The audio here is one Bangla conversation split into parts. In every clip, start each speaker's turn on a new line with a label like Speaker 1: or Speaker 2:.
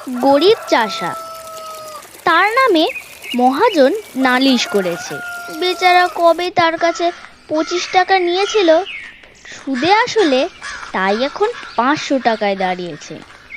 Speaker 1: গরিব চাষা, তার নামে মহাজন নালিশ করেছে। বেচারা কবে তার কাছে 25 টাকা নিয়েছিল, সুদে আসলে তাই এখন 500 টাকায় দাঁড়িয়েছে।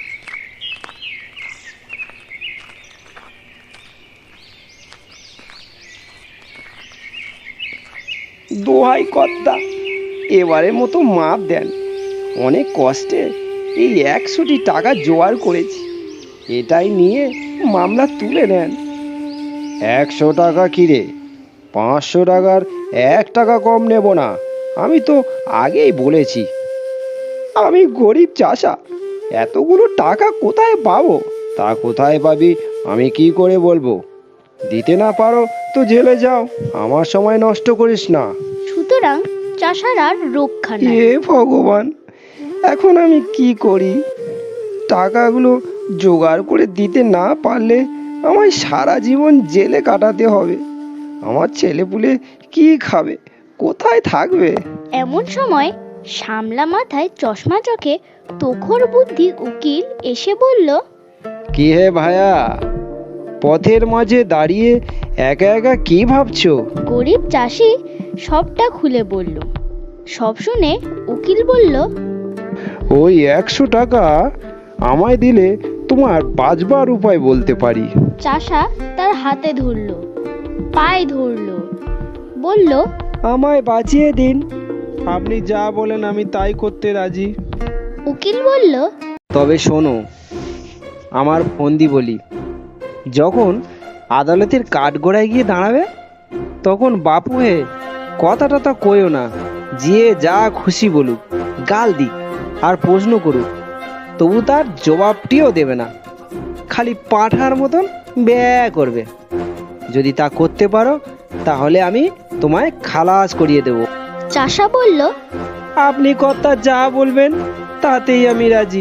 Speaker 2: দোহাই কর্তা, এবারের মতো মাপ দেন। অনেক কষ্টে এই 100টি টাকা জোগাড় করেছি, এটাই নিয়ে মামলা তুলে নেন। 100 টাকা কিরে? 500 টাকার 1 টাকা কম নেব না, আমি তো আগেই বলেছি। আমি গরিব চাষা, এতগুলো টাকা কোথায় পাবো? তা কোথায় পাবি আমি কি করে বলবো? দিতে না পারো তো জেলে যাও, আমার সময় নষ্ট করিস না।
Speaker 1: সুতরাং চাষার আর রক্ষা নাই।
Speaker 2: হে ভগবান, এখন আমি কি করি? টাকাগুলো জোগাড় করে দিতে না পারলে আমায় সারা জীবন জেলে কাটাতে হবে। আমার ছেলেপুলে কি খাবে, কোথায় থাকবে?
Speaker 1: এমন সময় সামলা মাথায় চশমা চোখে তোখর বুদ্ধি উকিল এসে বলল,
Speaker 2: কি হে ভায়া, পথের মাঝে দাঁড়িয়ে একা একা কি ভাবছো?
Speaker 1: গরিব চাষি সবটা খুলে বলল। সব শুনে উকিল বলল,
Speaker 2: ওই 100 টাকা আমায় দিলে তোমার বাঁচবার উপায় বলতে পারি।
Speaker 1: চাষা তার হাতে ধরল, পায়ে ধরল, বলল,
Speaker 2: আমায় বাঁচিয়ে দিন। আপনি যা বলেন আমি তাই করতে রাজি।
Speaker 1: উকিল বলল,
Speaker 2: তবে শোনো, আমার ফন্দি বলি, যখন আদালতের কাঠগড়ায় গিয়ে দাঁড়াবে তখন বাপু হে কথা টথা কইও না, যে যা খুশি বলুক, গাল দিক আর প্রশ্ন করুক, তবু তার জবাবটিও দেবে না, খালি পাঁঠার মতন ব্যয় করবে। যদি তা করতে পারো তাহলে আমি তোমায় খালাস করিয়ে দেব।
Speaker 1: চাষা বলল,
Speaker 2: আপনি কর্তা যা বলবেন তাতেই আমি রাজি।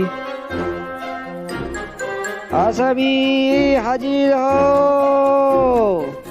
Speaker 2: আসামি হাজির হও।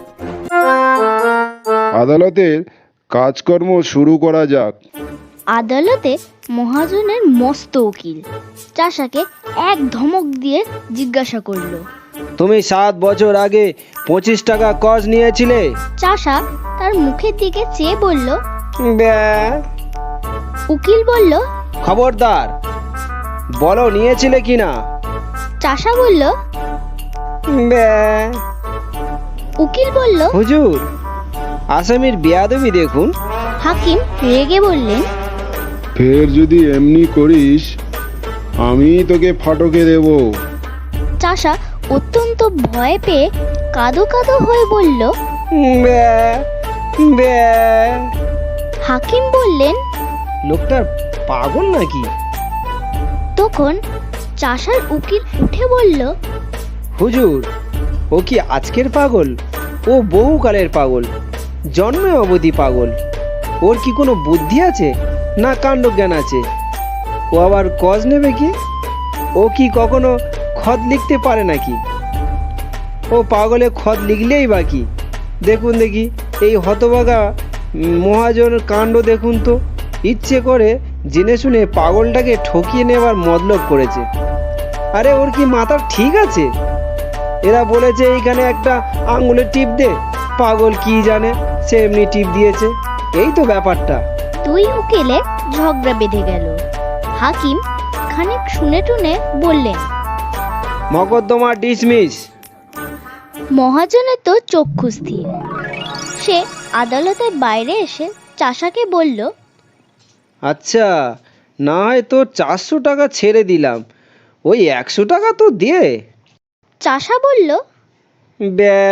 Speaker 3: আদালতের কাজকর্ম শুরু করা যাক।
Speaker 1: আদালতে মহাজনের মস্ত উকিল চাষাকে এক ধমক দিয়ে জিজ্ঞাসা করলো,
Speaker 2: তুমি 7 বছর আগে 25 টাকা কজ নিয়েছিলে?
Speaker 1: চাষা তার মুখের দিকে চেয়ে বলল।
Speaker 2: ব্যা।
Speaker 1: উকিল বলল,
Speaker 2: খবরদার, বলো নিয়েছিলে কিনা?
Speaker 1: চাষা বলল।
Speaker 2: ব্যা।
Speaker 1: উকিল বলল,
Speaker 2: হুজুর, আসামির বেয়াদবি দেখুন।
Speaker 1: হাকিম রেগে বললেন,
Speaker 3: ফের যদি এমনি করিস আমি তোকে ফাটকে দেব।
Speaker 1: চাষা অত্যন্ত ভয় পেয়ে কাঁদো কাঁদো হয়ে বলল।
Speaker 2: ব্যা। ব্যা।
Speaker 1: হাকিম বললেন,
Speaker 2: লোকটার পাগল নাকি?
Speaker 1: তখন চাষার উকিল উঠে বলল,
Speaker 2: হুজুর, ও কি আজকের পাগল? ও বহুকালের পাগল, জন্মে অবধি পাগল। ওর কি কোনো বুদ্ধি আছে না কাণ্ডজ্ঞান আছে? ও আবার কজ নেবে কি? ও কি কখনো খত লিখতে পারে নাকি? ও পাগলে খত লিখলেই বাকি। দেখুন দেখি এই হতভাগা মহাজন কাণ্ড দেখুন তো, ইচ্ছে করে জেনে শুনে পাগলটাকে ঠকিয়ে নেবার মতলব করেছে। আরে ওর কি মাথা ঠিক আছে? এরা বলেছে এইখানে একটা আঙুলের টিপ দে, পাগল কি জানে, সে এমনি টিপ দিয়েছে। এই তো ব্যাপারটা।
Speaker 1: দুই উকিলে ঝগড়া বেঁধে গেল। হাকিম খানিক শুনে টুনে বললেন,
Speaker 2: মকদ্দমা ডিসমিস।
Speaker 1: মহাজনের তো চক্ষু স্থির। সে আদালতের বাইরে এসে চাষাকে বলল,
Speaker 2: আচ্ছা, না হয় তো 400 টাকা ছেড়ে দিলাম, ওই 100 টাকা তো দে।
Speaker 1: চাষা বলল।
Speaker 2: ব্যা।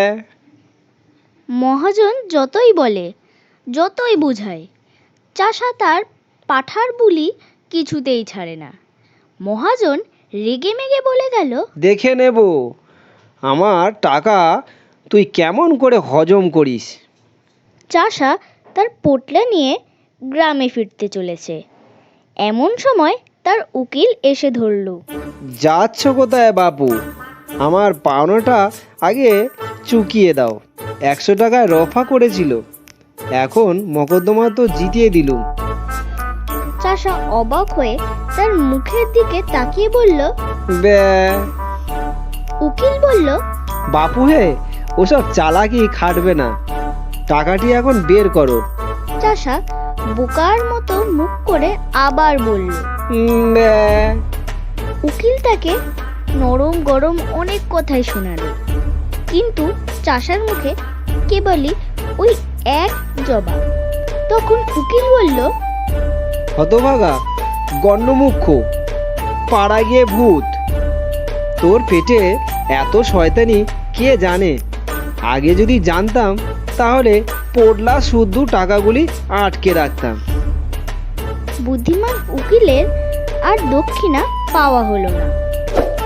Speaker 1: মহাজন যতই বলে, যতই বুঝায়, চাষা তার পাঠার বুলি কিছুতেই ছাড়ে না। মহাজন রেগে মেগে বলে গেল,
Speaker 2: দেখে নেব আমার টাকা তুই কেমন করে হজম করিস।
Speaker 1: চাষা তার পোটলা নিয়ে গ্রামে ফিরতে চলেছে। এমন সময় তার উকিল এসে ধরল।
Speaker 2: যাচ্ছ কোথায় বাপু? আমার পাওনাটা আগে চুকিয়ে দাও। 100 টাকায় রফা করেছিল, এখন মকদ্দমা তো জিতিয়ে দিলুম।
Speaker 1: চাষা অবাক হয়ে তার মুখের দিকে তাকিয়ে বলল,
Speaker 2: ব্যা।
Speaker 1: উকিল বলল,
Speaker 2: বাপু হে, ওসব চালাকি খাটবে না, টাকাটি এখন বের করো।
Speaker 1: চাষা বোকার মতো মুখ করে আবার বলল।
Speaker 2: ব্যাঁ।
Speaker 1: উকিল তাকে নরম গরম অনেক কথাই শোনালো, কিন্তু চাষার মুখে কেবলই ওই এক জবাব। তখন উকিল বলল,
Speaker 2: হতভাগা, গণ্যমুখ্য, পাড়া গিয়ে ভূত, তোর পেটে এত শয়তানি কে জানে? আগে যদি জানতাম তাহলে পোডলা শুদ্ধ টাকাগুলি আটকে রাখতাম।
Speaker 1: বুদ্ধিমান উকিলের আর দক্ষিণা পাওয়া হলো না।